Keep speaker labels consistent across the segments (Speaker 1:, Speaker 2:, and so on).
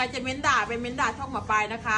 Speaker 1: รจะเม้นด่าไปเม้นด่าช่องหมอปลายนะคะ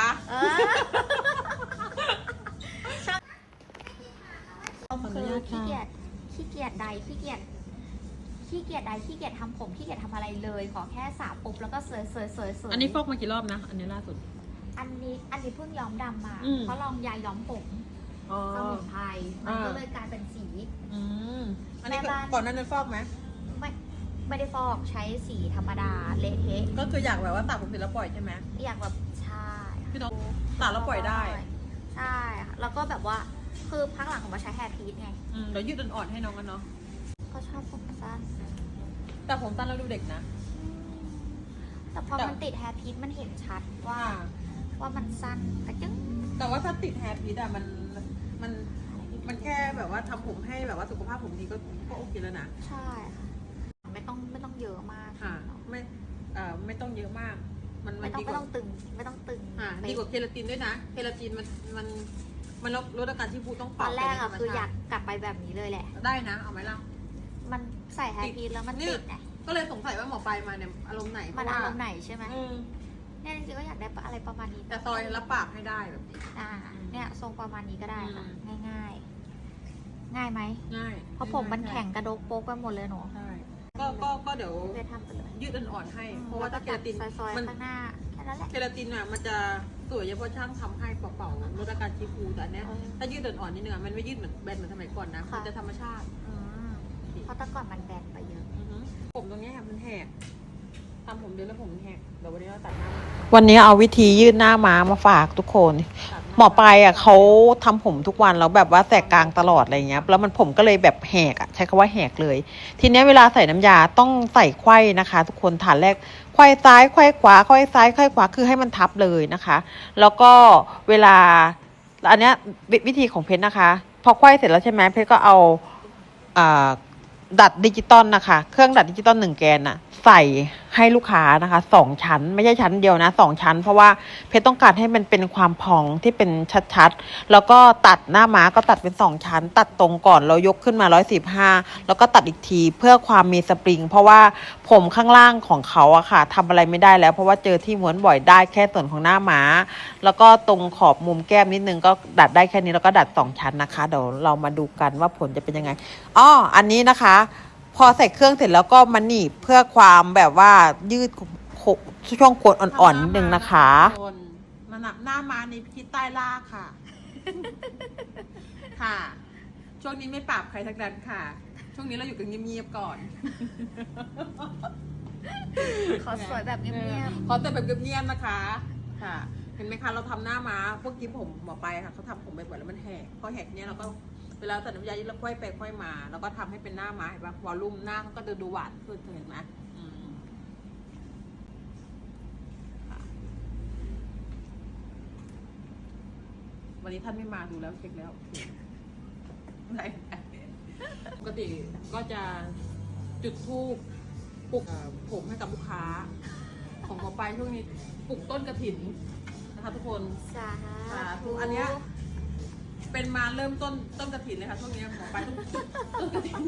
Speaker 2: คือขี้เกียจใดขี้เกียจทำผมขี้เกียจทำอะไรเลยขอแค่สระปุ๊บแล้วก็เสย
Speaker 1: อันนี้ฟอกมากี่รอบนะอันนี้ล่าสุด
Speaker 2: อันนี้เพิ่งย้อมดำมาเพราะลองยาย้อมผมสมุนไพรมันก็เลยกลายเป็นสี
Speaker 1: อันนี้ก่อนนั้นฟอกไหม
Speaker 2: ไม่ได้ฟอกใช้สีธรรมดาเละเทะ
Speaker 1: ก็คืออยากแบบว่าตัดผมเสร็จแล้วปล่อยใช่ไหม
Speaker 2: อยากแบบใช่
Speaker 1: พี่น้องตัดแล้วปล่อยได้
Speaker 2: ใช่แล้วก็แบบว่าคือพักหลังผมมาใช้แฮร์พีทไง
Speaker 1: เดี๋ยวยืดอ่อนๆให้น้องกันเนาะ
Speaker 2: ก็ชอบผมสั้น
Speaker 1: แต่ผมสั้นแล้วดูเด็กนะ
Speaker 2: แต่พอมันติดแฮร์พีทมันเห็นชัดว่ามันสั้น
Speaker 1: แต่ว่าถ้าติดแฮร์พีทอะมันแค่แบบว่าทำผมให้แบบว่าสุขภาพผมดีก็โอเคแล้วนะ
Speaker 2: ใช่ค่ะไม่ต้องเยอะมาก
Speaker 1: ค่ะไม่ต้องเยอะมาก
Speaker 2: ไม่ต้องตึง
Speaker 1: ดีกว่าเคราตินด้วยนะเคราตินมันลดอาการที่ฟูต้อง
Speaker 2: ตอนแรกอะคืออยากกลับไปแบบนี้เลยแหละ
Speaker 1: ได้นะเอาไหมล่ะ
Speaker 2: มันใส่แฮร์พีทแล้วมันติดไง
Speaker 1: ก็เลยสงสัยว่าหมอปลายมาเนี่ยอารมณ์ไหน
Speaker 2: มันอารมณ์ไหนใช่ไหมเนี่ยจริงๆก็อยากได้อะไรประมาณนี้
Speaker 1: แต่ซอยรับปากให้ได้แบบนี้
Speaker 2: เนี่ยทรงประมาณนี้ก็ได้ค่ะง่ายไหม
Speaker 1: ง่าย
Speaker 2: เพราะผมมันแข็งกระดกโป๊กไปหมดเลยหนู
Speaker 1: ใช่ก็เดี๋ยวยืดอ่อนๆให้เพราะว่าถ้าเคราติน
Speaker 2: มันข้างหน้าแค่นั้นแหละ
Speaker 1: เคราตินอะมันจะสวยเฉพาะช่างทำให้เป่าๆลดอาการชีฟูแต่อันเนี้ยถ้ายืดอ่อนๆนิดนึงมันไม่ยืดเหมือนแบนเหมือนสมัยก่อนนะมันจะธรรมชาติ
Speaker 2: เพราะแต่ก่อนมันแบนไปเยอะ
Speaker 1: ผมตรงนี้ค่ะมันแหกทำผมเดือนแล้วผมแหกเดี๋ยววันนี้เราตัดหน้าวันนี้เอาวิธียืดหน้าม้ามาฝากทุกคนหมอปลายอ่ะเขาทำผมทุกวันแล้วแบบว่าแสกกลางตลอดอะไรเงี้ยแล้วมันผมก็เลยแบบแหกอ่ะใช้คำว่าแหกเลยทีนี้เวลาใส่น้ำยาต้องใส่ไขว้นะคะทุกคนฐานแรกไขว้ซ้ายไขว้ขวาไขว้ซ้ายไขว้ขวาคือให้มันทับเลยนะคะแล้วก็เวลาอันเนี้ยวิธีของเพชรนะคะพอไขว้เสร็จแล้วใช่ไหมเพชรก็เอาดัดดิจิตอลนะคะเครื่องดัดดิจิตอล1 แกนน่ะใส่ให้ลูกค้านะคะ2 ชั้นไม่ใช่ชั้นเดียวนะ2 ชั้นเพราะว่าเพชรต้องการให้มันเป็นความพองที่เป็นชัดๆแล้วก็ตัดหน้าม้าก็ตัดเป็น2 ชั้นตัดตรงก่อนเรายกขึ้นมา115แล้วก็ตัดอีกทีเพื่อความมีสปริงเพราะว่าผมข้างล่างของเขาอะค่ะทำอะไรไม่ได้แล้วเพราะว่าเจอที่ม้วนบ่อยได้แค่ส่วนของหน้าม้าแล้วก็ตรงขอบมุมแก้มนิดนึงก็ดัดได้แค่นี้แล้วก็ดัด2 ชั้นนะคะเดี๋ยวเรามาดูกันว่าผลจะเป็นยังไงอันนี้นะคะพอใส่เครื่องเสร็จแล้วก็มันหนีบเพื่อความแบบว่ายืดช่วงโคนอ่อนๆนิดนึงนะคะมันหน้ามาในพิษใต้ล่าค่ะค่ะช่วงนี้ไม่ปราบใครทั้งนั้นค่ะช่วงนี้เราอยู่กันเงียบๆก่อน
Speaker 2: ขอสวยแบบเงียบ
Speaker 1: ๆขอแต่แบบเงียบๆนะคะค่ะเห็นไหมคะเราทำหน้าม้าพวกกิ๊บผมหมอไปค่ะเขาทำผมไปบ่อยแล้วมันแหกพอแหกเนี้ยเราก็เวลาใส่น้ำยาเราค่อยไปค่อยมาแล้วก็ทำให้เป็นหน้าม้าเห็นปะวอลลุ่มหน้าก็ดูหวานขึ้นเห็นไหมวันนี้ท่านไม่มาดูแล้วเช็คแล้วปกติก็จะจุดธูปปลุกผมให้กับลูกค้าของหมอไปช่วงนี้ปลุกต้นกระถิ่นนะคะทุกคน
Speaker 2: สาธุ
Speaker 1: อันเนี้ยเป็นมาเริ่มต้นกระถิ่นเลยค่ะช่วงนี้หมอไปต้นกระถิ่น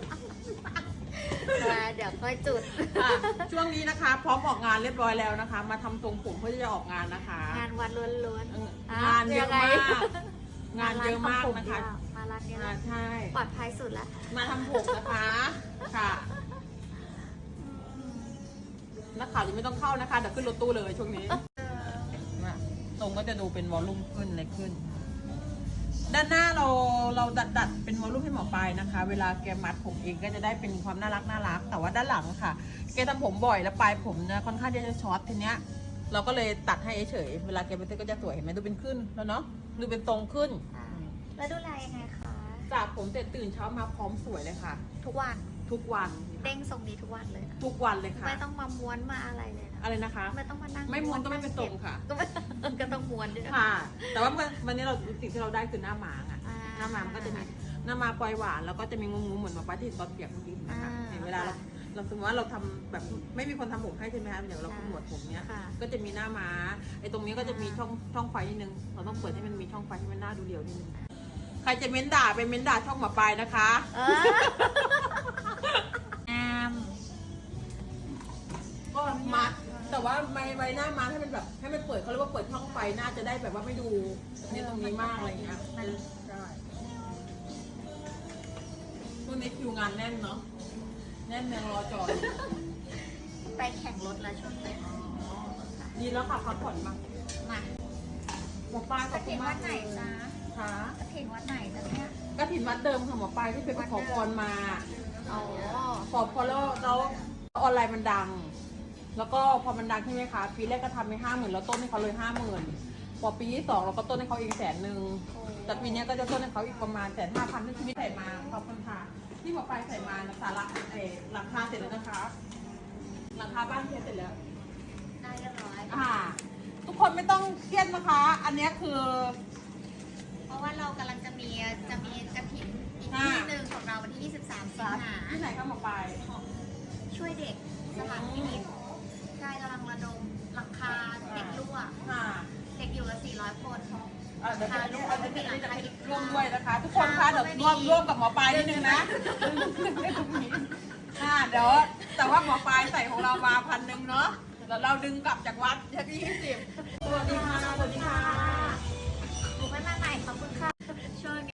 Speaker 2: เดี๋ยวค่อยจุด
Speaker 1: ช่วงนี้นะคะพร้อมออกงานเรียบร้อยแล้วนะคะมาทำทรงผมเพื่อจะออกงานนะคะ
Speaker 2: งานวันล้วน
Speaker 1: ๆงานเยอะมากงานเยอะมากนะคะ
Speaker 2: มาร้านนี้
Speaker 1: ใช่
Speaker 2: ปลอดภัยสุดแล้ว
Speaker 1: มาทำผมนะคะค่ะนักข่าวยังไม่ต้องเข้านะคะเดี๋ยวขึ้นรถตู้เลยช่วงนี้ตรงก็จะดูเป็นวอลลุ่มขึ้นอะไรขึ้นด้านหน้าเราดัดเป็นวอลลุ่มให้หมอปลายนะคะเวลาแกมัดผมเองก็จะได้เป็นความน่ารักแต่ว่าด้านหลังค่ะแกทำผมบ่อยแล้วปลายผมนะค่อนข้างจะช็อตทีเนี้ยเราก็เลยตัดให้เฉยเวลาแกไปเต้นก็จะสวยเห็นไหมดูเป็นขึ้นแล้วเนาะดูเป็นตรงขึ้น
Speaker 2: แล้วดูแลยังไงคะ
Speaker 1: สระผมเสร็จตื่นเช้ามาพร้อมสวยเลยค่ะ
Speaker 2: ทุกวันเด้งทรงนี้ทุกวันเลย
Speaker 1: ทุกวันเลยค่ะ
Speaker 2: ไม่ต้องมาม้วนมาอะไรเลยนะ
Speaker 1: อะไรนะคะ
Speaker 2: ไม่ต้องมานั่ง
Speaker 1: ไม่ม้วนก็ไม่เป็นทรงค่ะ
Speaker 2: ก็ต้องม้วนด้วย
Speaker 1: ค่ะแต่ว่าวันนี้เราสิ่งที่เราได้คือหน้าม้าอ่ะหน้าม้ามันก็จะมีหน้าม้าปลอยหวานแล้วก็จะมีงูเหมือนมาป้าที่ตอนเปียกเมื่อกี้นะคะเวลาเราสมมติว่าเราทำแบบไม่มีคนทำผมให้ใช่ไหมคะอย่างเราขมวดผมเนี้ยก็จะมีหน้าม้าไอ้ตรงนี้ก็จะมีช่องไฟนิดนึงเราต้องเปิดให้มันมีช่องไฟให้มันหน้าดูเรียวนิดนึงใครจะเม้นด่าไปเม้นด่าช่องหมอปลายนะคะก็มัดแต่ว่าไว้หน้ามาให้มันแบบให้มันเปิดเขาเรียกว่าเปิดช่องไฟน่าจะได้แบบว่าไม่ดูเนี่ยตรงนี้มากอะไรเงี้ยใช่ช่วงนี้คิวงานแน่นเนาะแน่นยังรอจอด
Speaker 2: ไปแข่งรถแล้วช่วงนี้
Speaker 1: ดีแล้วค่ะพักผ่อนมา
Speaker 2: มา
Speaker 1: หมอปลาย
Speaker 2: ก
Speaker 1: ขอ
Speaker 2: ระ
Speaker 1: บคุ
Speaker 2: ถิ่
Speaker 1: ณ
Speaker 2: น
Speaker 1: มา
Speaker 2: วั
Speaker 1: ก
Speaker 2: ดไหนจ๊ะ
Speaker 1: ค่ะ
Speaker 2: กระถิ่นวัดไหนจ๊ะเนี่ย
Speaker 1: กฐินวัดเดิมค่ะหมอปลายที่ไปขอพรมา
Speaker 2: อ๋อ
Speaker 1: ขอพรแล้วออนไลน์มันดัง แล้วก็พอมันดังใช่ไหมคะปีแรกก็ทำไป50,000แล้วต้นให้เขาเลย50,000พอปีที่2เราก็ต้นให้เขาอีก100,000แต่ปีนี้ก็จะต้นให้เขาอีกประมาณ150,000ที่ชีวิตใส่มาขอบคุณค่ะที่หมอปลายใส่มาสาระหลังคาเสร็จแล้วนะคะ หลังคาบ้านเสร็จแล้ว
Speaker 2: ได้เรียบร้อย
Speaker 1: ทุกคนไม่ต้องเครียดนะคะ อันนี้คือ
Speaker 2: เพราะว่าเรากำลังจะมีกระถิ่นอีกที่หนึ่งของเราวันที่ 23 สิงหา
Speaker 1: ที่ไหนคะหมอปลาย
Speaker 2: ช่วยเด็กสถานพินิจใช่กำลังระดมหลังคาเด็กรั่ว
Speaker 1: ค่ะ
Speaker 2: เด็กอยู่ละ400 คน
Speaker 1: เดี๋ยวจะร่วมด้วยนะคะ ทุกคนคะเดี๋ยวร่วมกับหมอปลายนิดนึงนะเดี๋ยวแต่ว่าหมอปลายใส่ของเรามา1,000เนาะแล้วเราดึงกลับจากวัดที่20สวัสดีค่ะสวัสดีค่ะ